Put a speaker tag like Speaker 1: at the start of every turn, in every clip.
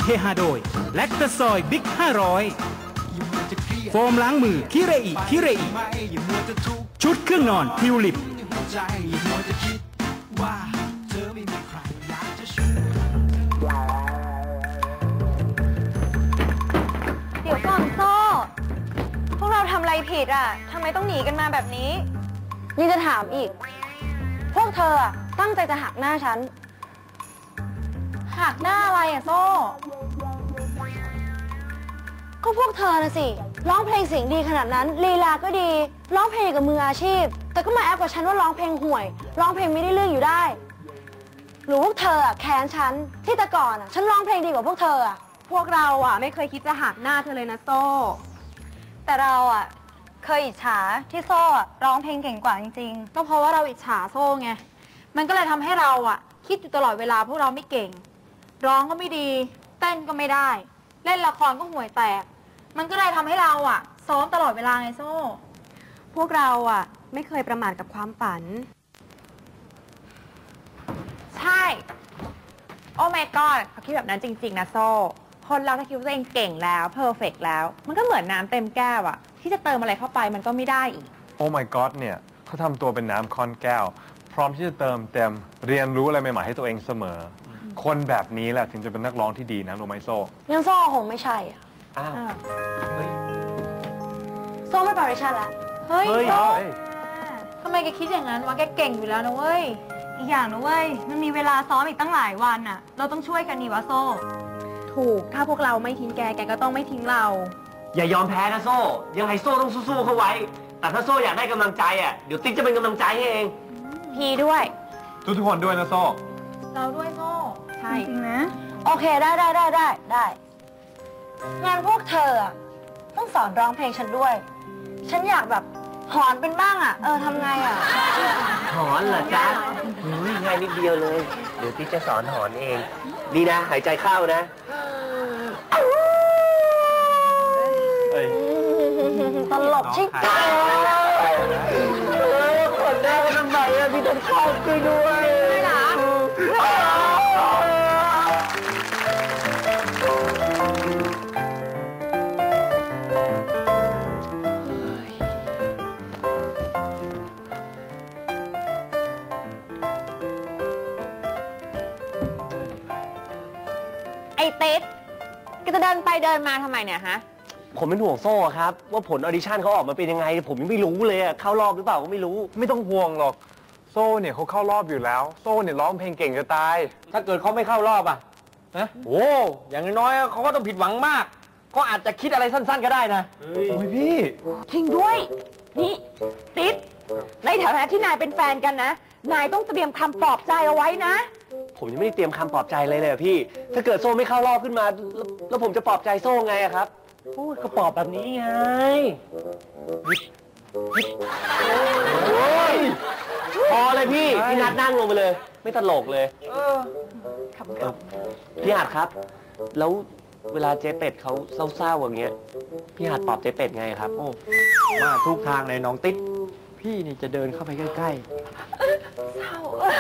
Speaker 1: เฮฮาโดยแลคตาซอยบิ๊ก500โฟมล้างมือคิเรอิคิเรอิชุดเครื่องนอนทิวลิป
Speaker 2: เดี๋ยวก่อนโซ่พวกเราทำอะไรผิดอ่ะทำไมต้องหนีกันมาแบบนี้นี่จะถามอีกพวกเธอตั้งใจจะหักหน้าฉันหักหน้าอะไรอ่ะโซ่ก็พวกเธอนะสิร้องเพลงเสียงดีขนาดนั้นลีลาก็ดีร้องเพลงกับมืออาชีพแต่ก็มาแอบกับฉันว่าร้องเพลงห่วยร้องเพลงไม่ได้เรื่องอยู่ได้หรือพวกเธอแค้นฉันที่แต่ก่อนฉันร้องเพลงดีกว่าพวกเธอพวกเราไม่เคยคิดจะหักหน้าเธอเลยนะโซ่แต่เราเคยอิจฉาที่โซ่ร้องเพลงเก่งกว่าจริงๆก็เพราะว่าเราอิจฉาโซ่ไงมันก็เลยทำให้เราคิดอยู่ตลอดเวลาพวกเราไม่เก่งร้องก็ไม่ดีเต้นก็ไม่ได้เล่นละครก็ห่วยแตกมันก็เลยทำให้เราซ้อมตลอดเวลาไงโซ่พวกเราไม่เคยประมาทกับความฝันใช่โอ้ my god เขาคิดแบบนั้นจริงๆนะโซ่คนเราถ้าคิดว่าตัวเองเก่งแล้วเพอร์เฟกต์แล้วมันก็เหมือนน้ำเต็มแก้วที่จะเติมอะไรเข้าไปมันก็ไม่ได้อีก
Speaker 3: โอ้ my god เนี่ยเขาทำตัวเป็นน้ำค่อนแก้วพร้อมที่จะเติมเต็มเรียนรู้อะไรใหม่ๆให้ตัวเองเสมอคนแบบนี้แหละถึงจะเป็นนักร้องที่ดีนะรู้ไหมโซ่
Speaker 2: งั้นโซ่คงไม่ใช่
Speaker 3: อ้าว
Speaker 2: โซ่ไม่ปาริชันละเฮ้ยโซ่ทำไมแกคิดอย่างนั้นวะแกเก่งอยู่แล้วนะเว้ยอีกอย่างนะเว้ยมันมีเวลาซ้อมอีกตั้งหลายวันเราต้องช่วยกันนี่วะโซ่ถูกถ้าพวกเราไม่ทิ้งแกก็ต้องไม่ทิ้งเรา
Speaker 4: อย่ายอมแพ้นะโซ่ยังไงโซ่ต้องสู้ๆเข้าไว้แต่ถ้าโซ่อยากได้กำลังใจเดี๋ยวติ๊กจะเป็นกำลังใจให้เอง
Speaker 2: พีด้วย
Speaker 3: ทุกคนด้วยนะโซ่
Speaker 2: เราด้วยโซ่ใช่จริงนะโอเคได้งานพวกเธอต้องสอนร้องเพลงฉันด้วยฉันอยากแบบหอนเป็นบ้างทำไง
Speaker 4: หอนเหรอจ๊ะง่ายนิดเดียวเลยเดี๋ยวติ๊กจะสอนหอนเองดีนะหายใจเข้านะ
Speaker 2: ตลกชิบหาย
Speaker 4: คนแรกทำไมพี่ต้องเข้าด้วยนะ
Speaker 2: ไอ้ติ๊ดก็จะเดินไปเดินมาทำไมเนี่ยฮะ
Speaker 4: ผมเป็นห่วงโซ่ครับว่าผลออดิชั่นเขาออกมาเป็นยังไงผมยังไม่รู้เลยเข้ารอบหรือเปล่าก็ไม่รู้
Speaker 3: ไม่ต้องห่วงหรอกโซ่เนี่ยเขาเข้ารอบอยู่แล้วโซ่เนี่ยร้องเพลงเก่งจะตาย
Speaker 4: ถ้าเกิดเขาไม่เข้ารอบนะโอ้อย่างน้อยเขาก็ต้องผิดหวังมากก็อาจจะคิดอะไรสั้นๆก็ได้นะ
Speaker 3: โอ้ยพี่
Speaker 2: ทิ้งด้วยนี่ติ๊ดในฐานะที่นายเป็นแฟนกันนะนายต้องเตรียมคำปลอบใจเอาไว้นะ
Speaker 4: ผมยังไม่ได้เตรียมคำปลอบใจเลยพี่ถ้าเกิดโซ่ไม่เข้ารอบขึ้นมาแล้วผมจะปลอบใจโซ่ไงครับพูดก็ปลอบแบบนี้ไงพอเลยพี่นัดนั่งลงไปเลยไม่ตลกเลยพี่หัดครับแล้วเวลาเจ๊เป็ดเขาเศร้าๆอย่างเงี้ยพี่หัดปลอบเจ๊เป็ดไงครับโอ้มาทุกทางเลยน้องติ๊ดพี่นี่จะเดินเข้าไปใกล้ๆเศร้า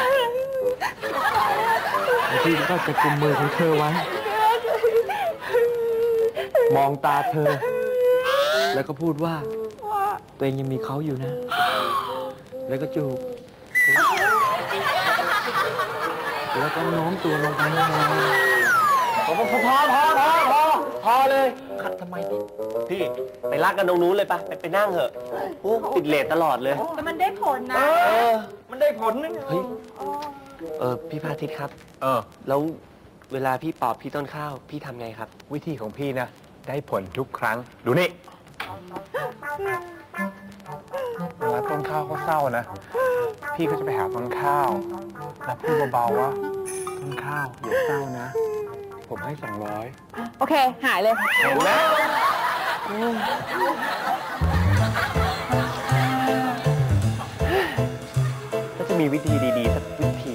Speaker 3: พี่ก็จะกุมมือของเธอไว้มองตาเธอแล้วก็พูดว่าตัวเองยังมีเขาอยู่นะแล้วก็จูบแล้วก็โน้มตัวลงไป
Speaker 4: พอเลยขัดทำไมพี่ไปรักกันตรงนู้นเลยปะไปนั่งเถอะโอ้ติดเลทตลอดเลย
Speaker 2: แต่มันได้ผลนะ
Speaker 4: มันได้ผลนะเฮ้ยพี่พาทิตย์ครับแล้วเวลาพี่ปอบพี่ต้นข้าวพี่ทำไงครับ
Speaker 3: วิธีของพี่นะได้ผลทุกครั้งดูนี่เวลาต้นข้าวเขาเศร้านะพี่ก็จะไปหาต้นข้าวแล้วพูดเบาๆว่าต้นข้าวอย่าเศร้านะผมให้200
Speaker 2: โอเคหายเลย
Speaker 3: เห็นไหม
Speaker 4: ก็จะมีวิธีดีๆสักวิธี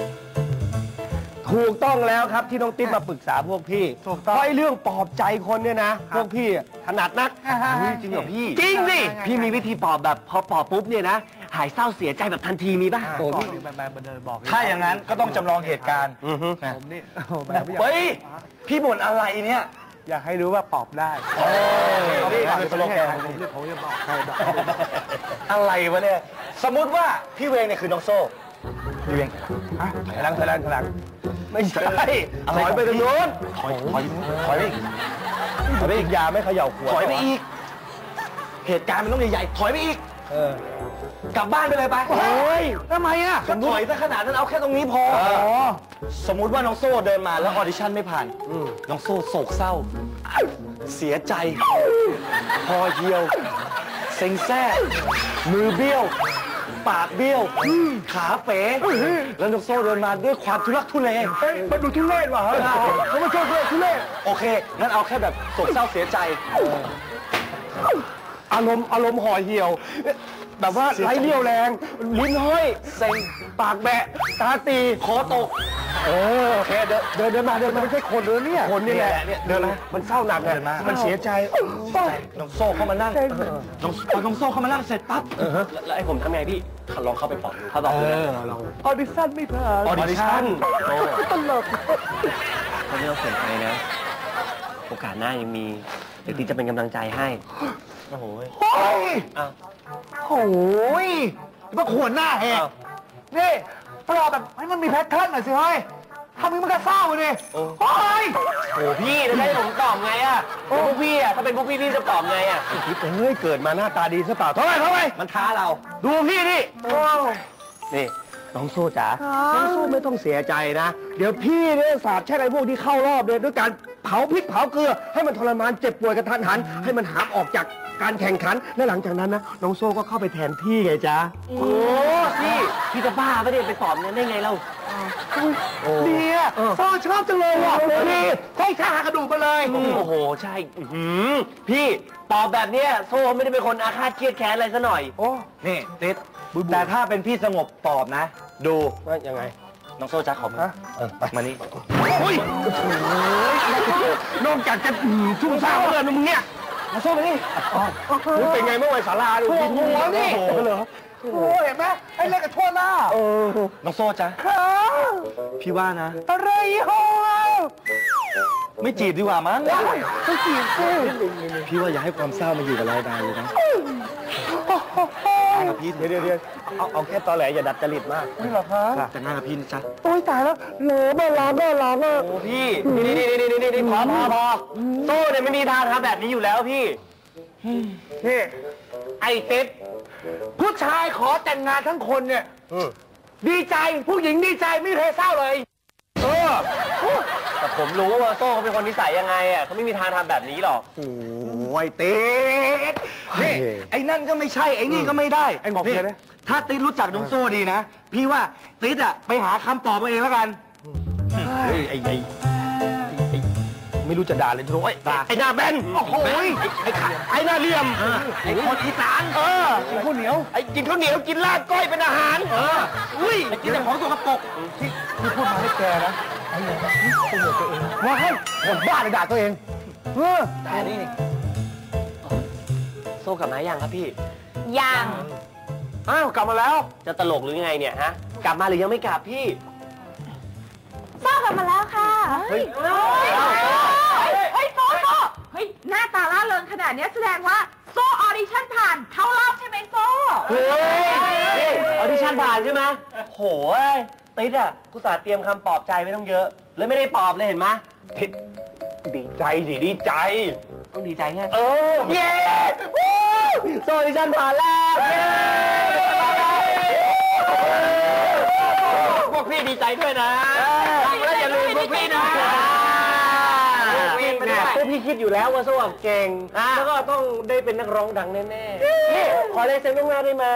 Speaker 4: ถูกต้องแล้วครับที่น้องติ๊บมาปรึกษาพวกพี่เพราะเรื่องปลอบใจคนเนี่ยนะพวกพี่ถนัดนักจริงเหรอพี่จริงสิพี่มีวิธีปลอบแบบพอปลอบปุ๊บเนี่ยนะหายเศร้าเสียใจแบบทันทีมีป่ะ
Speaker 3: โอ้พี่ถ้าอย่างนั้นก็ต้องจำลองเหตุการณ์
Speaker 1: ผมนี่แบบไม่อยาก
Speaker 3: เฮ้ย พี่บ่นอะไรเนี่ย
Speaker 1: อยากให้รู้ว่าปอบได้
Speaker 3: นี่คือสโลแกน
Speaker 1: ผมจะบอกใครบอก
Speaker 3: อะไรวะเนี่ย สมมุติว่าพี่เวงเนี่ยคือน้องโซ่พี่เวงถอยหลังไม่ใช่ถอยไปตรงโน้นถอยไปอีกถอยไปอีกอย่าไม่เขย่าขวดถอยไปอีก เหตุการณ์มันต้องใหญ่ๆถอยไปอีกกลับบ้านไปเลยไปโอ้ยทำไมอ่ะก็ถอยซะขนาดนั้นเอาแค่ตรงนี้พอสมมุติว่าน้องโซ่เดินมาแล้วออดิชั่นไม่ผ่านน้องโซ่โศกเศร้า เสียใจคอเหี่ยวเซ็งแซ่มือเบี้ยว ปากเบี้ยวขาเป๋แล้วน้องโซ่เดินมาด้วยความทุลักทุเลมันดูทุเรศว่ะเขาไม่ชอบทุเรศโอเคงั้นเอาแค่แบบโศกเศร้าเสียใจอารมณ์ห่อเหี่ยวแบบว่าไร้เรี่ยวแรงลิ้นห้อยเซ็งปากแบะตาตีคอตกโอเคเดินมาไม่ใช่คนเลยเนี่ยคนนี่แหละเดินมามันเศร้าหนักเลยมันเสียใจน้องโซ่เข้ามานั่งน้องโซ่เข้ามานั่งเสร็จปั๊บแล้วไอ้ผมทำไงพี่ลองเข้าไปปอบดูเขาบอกเลยลองออดิชั่นไม่ผ่านออดิชั่นตลก
Speaker 4: เขาไม่ต้องเสียใจนะโอกาสหน้ายังมีเดี๋ยวพี่จะเป็นกำลังใจให้โอ้โห
Speaker 3: โอ้ยมาขวนหน้าแหกนี่ปลอบแบบให้มันมีแพทเทิร์นหน่อยสิเฮ้ยทำมึงมันก็เศร้าเลยโอ้ยโอ้พี่จะให้ผมตอบไงอ่ะพวกพี่อ่ะถ้าเป็นพวกพี่จะตอบไงอ่ะคิดเฮ้ยเกิดมาหน้าตาดีซะเปล่าเท่าไหร่มันท้าเราดูพี่นี่นี่น้องโซ่จ๋าน้องโซ่ไม่ต้องเสียใจนะเดี๋ยวพี่เนี่ยสาบแช่งไอ้พวกที่เข้ารอบเลยด้วยการเผาพริกเผาเกลือให้มันทรมานเจ็บป่วยกระทันหันให้มันหามออกจากการแข่งขันและหลังจากนั้นนะน้องโซ่ก็เข้าไปแทนพี่ไงจ๊ะโอ้พี่จะบ้าไม่ได้ไปสอบเนี่ยได้ไงเราเนี่ยโซ่ชอบจังเลยว่ะพี่ใช่ชากระดูกมาเลยโอ้โหใช่พี่ตอบแบบเนี้ยโซ่ไม่ได้เป็นคนอาฆาตเครียดแค้นอะไรซะหน่อยโอ้นี่ติดแต่ถ้าเป็นพี่สงบตอบนะดูว่ายังไงน้องโซ่จ๊ะขอมาไปมานี่โอ้ยนอกจากจะชุ่มซ่าเลยมึงเนี่ยมาโซ่มานี่มึงเป็นไงเมื่อวันศาลาดูกินหัวนี่เหรอโอ้เห็นไหมไอ้เล็กกับทั่วหน้าน้องโซ่จ๊ะพี่ว่านะอะไรฮะไม่จีบดีกว่ามั้งไม่จีบสิพี่ว่าอย่าให้ความเศร้ามาอยู่กับเรานานเลยนะกับพี่เดี๋ยวเอาแค่ตอแหลอย่าดัดจริตมากนี่เหรอคะแต่งงานกับพี่นะจ๊ะโอ้ยตายแล้วเหลือแม่ร้องโอ้พี่นี่พอโซ่เนี่ยไม่มีทางทำแบบนี้อยู่แล้วพี่นี่ไอ้ติ๊บผู้ชายขอแต่งงานทั้งคนเนี่ยดีใจผู้หญิงดีใจไม่เคยเศร้าเลยแต่ผมรู้ว่าโซ่เขาเป็นคนนิสัยยังไงอ่ะเขาไม่มีทางทำแบบนี้หรอกโอ้ยติ๊ดนี่ไอ้นั่นก็ไม่ใช่ไอ้นี่ก็ไม่ได้ไอ้บอกเลยนะถ้าติ๊ดรู้จักน้องโซ่ดีนะพี่ว่าติ๊ดอ่ะไปหาคำตอบมาเองแล้วกันไอ้ไม่รู้จะด่าเลยทุกไอ้หน้าแบนโอ้โหไอ้หน้าเหลี่ยมไอ้คนอีสานกินข้าวเหนียวไอ้กินข้าวเหนียวกินลาบก้อยเป็นอาหารอุ้ยกินแต่ของสกปรกที่พูดมาให้แกนะไอ้เนี่ยตัวตัวเองว่าให้คนบ้าเลยด่าตัวเองด่านี่โซ่กลับมายังครับพี่
Speaker 2: ยัง
Speaker 3: อ้าวกลับมาแล้ว
Speaker 4: จะตลกหรือไงเนี่ยฮะกลับมาหรือยังไม่กลับพี่
Speaker 2: โซ่กลับมาแล้วค่ะเฮ้ยโซ่เฮ้ยหน้าตาล่าเริงขนาดนี้แสดงว่าโซ่ออดิชั่นผ่านเข้ารอบใช่ไหมโซ่
Speaker 4: เฮ้ยออดิชั่นผ่านใช่ไหมโหยติ๊ดอ่ะกูสาเตรียมคำปลอบใจไม่ต้องเยอะเลยไม่ได้ปลอบเลยเห็นไหม
Speaker 3: ติ๊ดดีใจสิดีใจ
Speaker 4: ต้องดีใจไง
Speaker 3: เย้
Speaker 4: โซ่ออดิชั่นผ่านแล้วพวกพี่ดีใจด้วยนะแล้วอย่าลืมพวกพี่นะพวกพี่คิดอยู่แล้วว่าโซ่เก่งแล้วก็ต้องได้เป็นนักร้องดังแน่ๆขอเลายเซ็นล่วงหน้าได้ไหม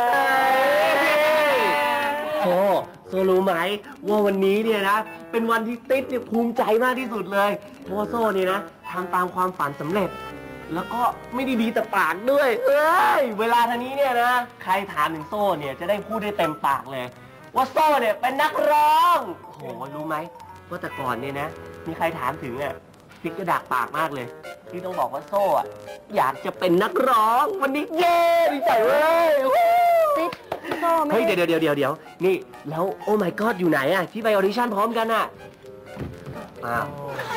Speaker 4: โซ่รู้ไหมว่าวันนี้เนี่ยนะเป็นวันที่ติ๊ดเนี่ยภูมิใจมากที่สุดเลยเพราะว่าโซ่เนี่ยนะทำตามความฝันสำเร็จแล้วก็ไม่ได้ดีแต่ปากด้วยเวลาทางนี้เนี่ยนะใครถามถึงโซ่เนี่ยจะได้พูดได้เต็มปากเลยว่าโซ่เนี่ยเป็นนักร้องโหรู้ไหมว่าแต่ก่อนเนี่ยนะมีใครถามถึงอ่ะติ๊กก็ดักปากมากเลยที่ต้องบอกว่าโซ่อะอยากจะเป็นนักร้องวันนี้เย้ดีใจเว้ย
Speaker 2: ติ๊กโซ่ไม่
Speaker 4: เฮ้ย
Speaker 2: ได้
Speaker 4: เดี๋ยวนี่แล้วโอ้ my god อยู่ไหนอะที่ไปออดิชั่นพร้อมกันอะอ้าว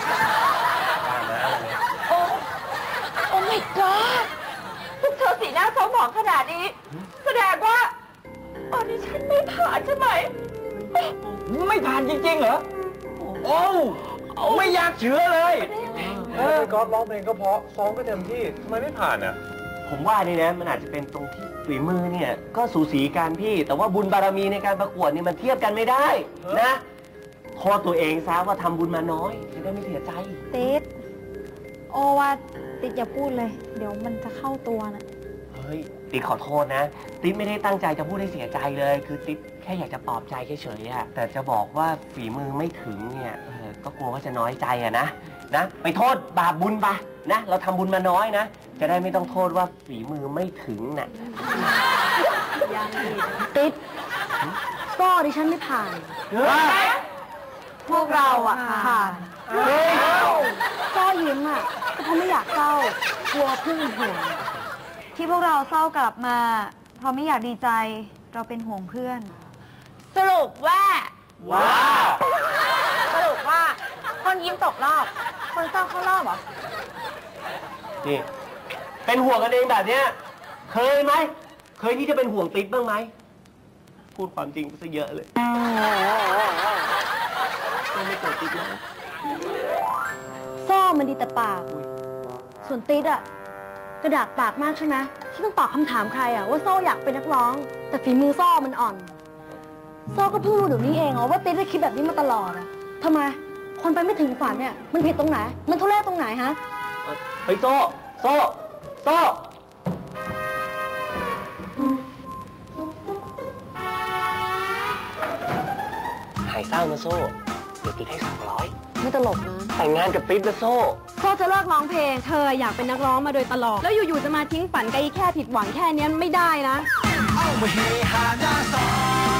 Speaker 2: โอ้ my god พวกเธอสีหน้าเศร้าหมองขนาดนี้ แสดงว่าออดิชั่นไม่ผ่านใช่ไหม
Speaker 3: ไม่ผ่านจริงๆเหรอ โอ้ไม่อยากเชื่อเลยก๊อฟร้องเพลงก็เพราะซ้อมก็เต็มที่ทำไมไม่ผ่านอ่ะ
Speaker 4: ผมว่านี่นะมันอาจจะเป็นตรงที่ฝีมือเนี่ยก็สูสีกันพี่ แต่ว่าบุญบารมีในการประกวดนี่มันเทียบกันไม่ได้นะโทษตัวเองซะว่าทำบุญมาน้อยจะได้ไม่เสียใจ
Speaker 2: ติ๊ดโอว่าติ๊ดอย่าพูดเลย เดี๋ยวมันจะเข้าตัวนะ
Speaker 4: เฮ้ยติ๊กขอโทษนะติ๊กไม่ได้ตั้งใจจะพูดให้เสียใจเลย คือติ๊กแค่อยากจะปลอบใจเฉยๆอะแต่จะบอกว่าฝีมือไม่ถึงเนี่ยก็กลัวว่าจะน้อยใจอะนะไปโทษบาปบุญไปนะเราทำบุญมาน้อยนะจะได้ไม่ต้องโทษว่าฝีมือไม่ถึงน่ะ
Speaker 2: ติ๊ดก็ดิฉันไม่ผ่าน พวกเราอะผ่านก็ยิ้มอะก็เพราะไม่อยากเศร้ากลัวเพื่อนห่วงที่พวกเราเศร้ากลับมาเพราะไม่อยากดีใจเราเป็นห่วงเพื่อน สรุปว่า สรุปว่าคนยิ้มตกรอบ คนเศร้าเข้ารอบเหรอ
Speaker 4: นี่เป็นห่วงกันเองแบบเนี้ยเคยไหมเคยที่จะเป็นห่วงติ๊กบ้างไหมพูดความจริงซะเยอะเลยไม่โกรธติ๊กเลย
Speaker 2: โซ่มันดีแต่ปาก ส่วนติ๊ดอะกระดากปากมากใช่ไหมที่ต้องตอบคำถามใครอะว่าโซ่อยากเป็นนักร้อง แต่ฝีมือโซ่มันอ่อน โซ่ก็เพิ่งรู้เดี๋ยวนี้เองว่าติ๊ดได้คิดแบบนี้มาตลอดอะทำไม คนไปไม่ถึงฝันเนี่ยมันผิดตรงไหน มันทุเรศตรงไหนฮะ
Speaker 4: เฮ้ยโซ่หายเศร้านะโซ่เดี๋ยวติ๊กให้200
Speaker 2: ไม่ตลกนะ
Speaker 4: แต่งงานกับติ๊กนะโซ่
Speaker 2: โซ่จะเลิกร้องเพลง เธออยากเป็นนักร้องมาโดยตลอด แล้วอยู่ๆจะมาทิ้งฝันไกลแค่ผิดหวังแค่นี้ไม่ได้นะ
Speaker 1: เอามาเฮฮาหน้าซอย